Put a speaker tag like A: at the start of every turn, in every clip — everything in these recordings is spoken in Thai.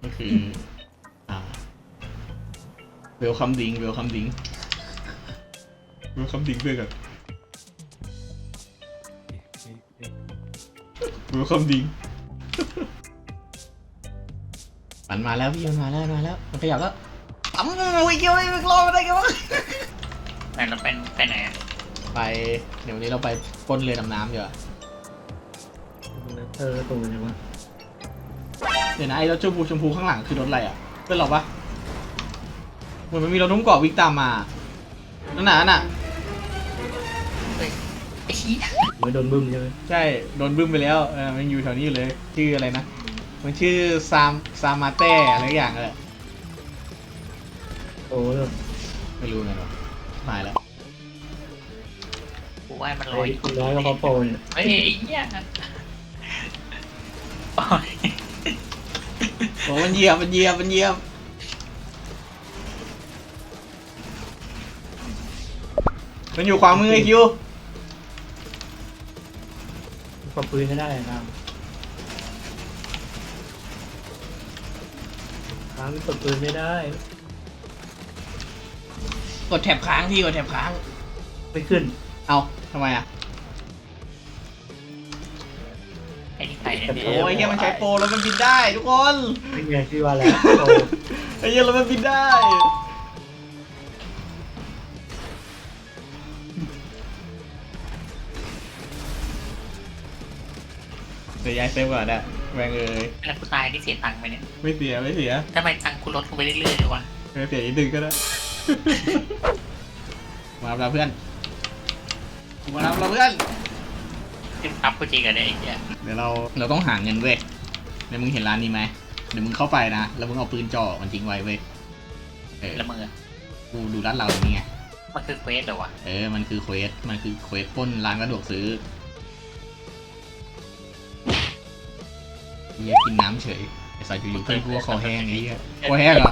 A: ก็คือเวลคัมดิงเวลคัมดิงเวลคัมดิงด้วยกันเวลคัมดิงมันมาแล้วพี่มันมาแล้วมันขยับแล้วปั๊มวิ่งเกี่ยวไม่รอดอะไรกันวะ
B: แต่เราเป็นไปไหนอะ
A: ไปเดี๋ยววันนี้เราไปปล้นเรือดำน้ำดีกว่า
C: ตรงนี้วะ
A: เดี๋ยวนะไอ้รถชมพูข้างหลังคือรถอะไรอ่ะเป็นหรอปะเหมือนมันมีรถนุ่มเกาะวิ่งตามมานั่นน่ะ
B: เฮ้ยไอ้ชี้ย
C: ไม่โดนบึ้มใช่ไหม
A: ใช่โดนบึ้มไปแล้วมันอยู่แถวนี้อยู่เลยชื่ออะไรนะมันชื่อซามาเต้อะไรอย่างเงี้ย
C: โอ้ย
A: ไม่รู้ไงหรอหายแล้ว
B: กูว่ามันล
C: ไอ้
B: อย
C: คนร้ายก็เขาโปรเนี่ย
B: เฮ้ยไอ้เหี้ยโอ้ย
A: โอ้มันเหยียบมันอยู่ขวามือไอคิว
C: ปรับปืนไม่ได้นะค้างปรับปืนไม่ได้
A: กดแถบค้างพี่กดแถบค้าง
C: ไม่ขึ้น
A: เอาทำไมอ่ะ
B: ไอ้นี่ใครเนี่ย
A: โอ้ยเฮียมันใช้โปรแล้วมันบินได้ทุกคน
C: เป็นไงที่ว่าแล้วโปร
A: ไอ้เฮียแล้วมันบินได้เดี๋ยวย้ายเซฟก่อนนะแรงเลย
B: แล้วกูตายนี่เสียตังค์ไหมเนี่ย
A: ไม่เสีย
B: ทำไมตังค์กูลดลงไปเรื่อยๆเลยวะ
A: ไม่เสียอีกดึงก็ได้ มารับเราเพื่อน
B: ขึ้นปั๊บกูจริงอะเนี่ยไอ้เหี้ย
A: เดี๋ยวเราต้องหาเงินเว้ยเดี๋ยวมึงเห็นร้านนี้ไหมเดี๋ยวมึงเข้าไปนะแล้วมึงเอาปืนจ่อมันทิ้งไว้เว้ย
B: แล้วมึงอะ
A: กูดูร้านเราอย่างนี้ไง
B: มันคือเควสเหรอวะ
A: มันคือเควสปล้นร้านกระดวกซื้อเฮียกินน้ำเฉยไอ้สายอยู่ๆเพื่อนกูก็คอแห้งไอ้เหี้ยคอแห้งเหรอ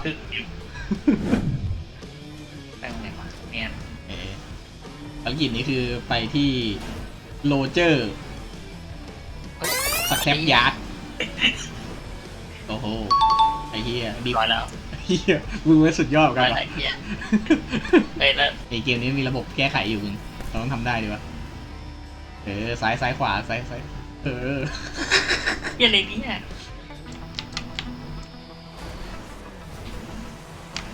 B: แป้งไหนวะเนี่ย
A: ภารกิจนี้คือไปที่โรเจอร์สแครปยาร์ดโอ้โหไอ้เหี้ยดี
B: ร้อยแล้ว
A: เหี้ยมึงไม่สุดยอดกัน
B: ร้อย
A: หรอ
B: แล้วไอ้เหี้ยเฮ้ยแล้ว
A: ไอเกมนี้มีระบบแก้ไขอยู่มึงเราต้องทำได้ดีวะซ้ายขวาซ้าย
B: เหี้ยอะไรเนี่ย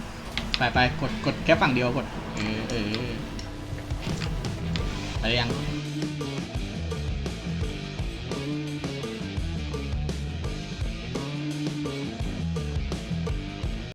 A: ไปกดแค่ฝั่งเดียวกดอะไรยัง